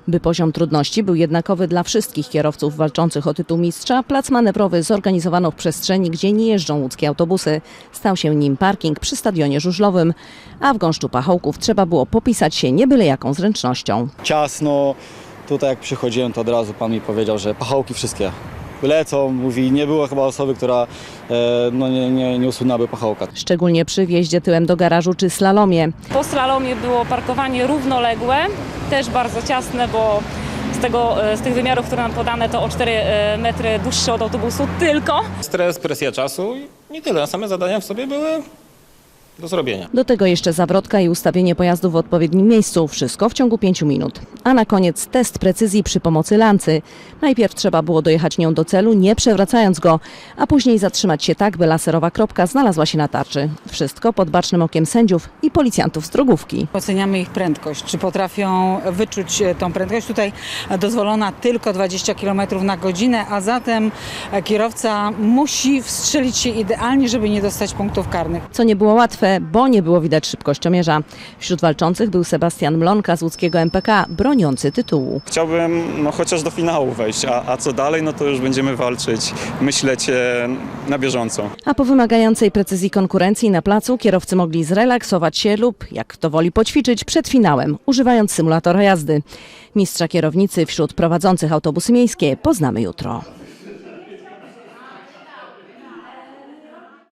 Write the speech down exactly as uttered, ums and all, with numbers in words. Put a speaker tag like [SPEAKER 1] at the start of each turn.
[SPEAKER 1] By poziom trudności był jednakowy dla wszystkich kierowców walczących o tytuł mistrza, plac manewrowy zorganizowano w przestrzeni, gdzie nie jeżdżą łódzkie autobusy. Stał się nim parking przy stadionie żużlowym, a w gąszczu pachołków trzeba było popisać się nie byle jaką zręcznością.
[SPEAKER 2] Ciasno, tutaj jak przychodziłem, to od razu pan mi powiedział, że pachołki wszystkie lecą, mówi, nie było chyba osoby, która e, no nie, nie, nie usunęłaby pachołka.
[SPEAKER 1] Szczególnie przy wjeździe tyłem do garażu czy slalomie.
[SPEAKER 3] Po slalomie było parkowanie równoległe, też bardzo ciasne, bo z, tego, z tych wymiarów, które nam podane, to o cztery metry dłuższe od autobusu tylko.
[SPEAKER 4] Stres, presja czasu i nie tyle. Same zadania w sobie były do zrobienia.
[SPEAKER 1] Do tego jeszcze zawrotka i ustawienie pojazdu w odpowiednim miejscu. Wszystko w ciągu pięciu minut. A na koniec test precyzji przy pomocy lancy. Najpierw trzeba było dojechać nią do celu, nie przewracając go, a później zatrzymać się tak, by laserowa kropka znalazła się na tarczy. Wszystko pod bacznym okiem sędziów i policjantów z drogówki.
[SPEAKER 5] Oceniamy ich prędkość, czy potrafią wyczuć tą prędkość. Tutaj dozwolona tylko dwadzieścia kilometrów na godzinę, a zatem kierowca musi wstrzelić się idealnie, żeby nie dostać punktów karnych.
[SPEAKER 1] Co nie było łatwe, bo nie było widać szybkościomierza. Wśród walczących był Sebastian Mlonka z łódzkiego M P K, broniący tytułu.
[SPEAKER 6] Chciałbym no, chociaż do finału wejść, a, a co dalej, no to już będziemy walczyć, myśleć na bieżąco.
[SPEAKER 1] A po wymagającej precyzji konkurencji na placu kierowcy mogli zrelaksować się lub, jak kto woli, poćwiczyć przed finałem, używając symulatora jazdy. Mistrza kierownicy wśród prowadzących autobusy miejskie poznamy jutro.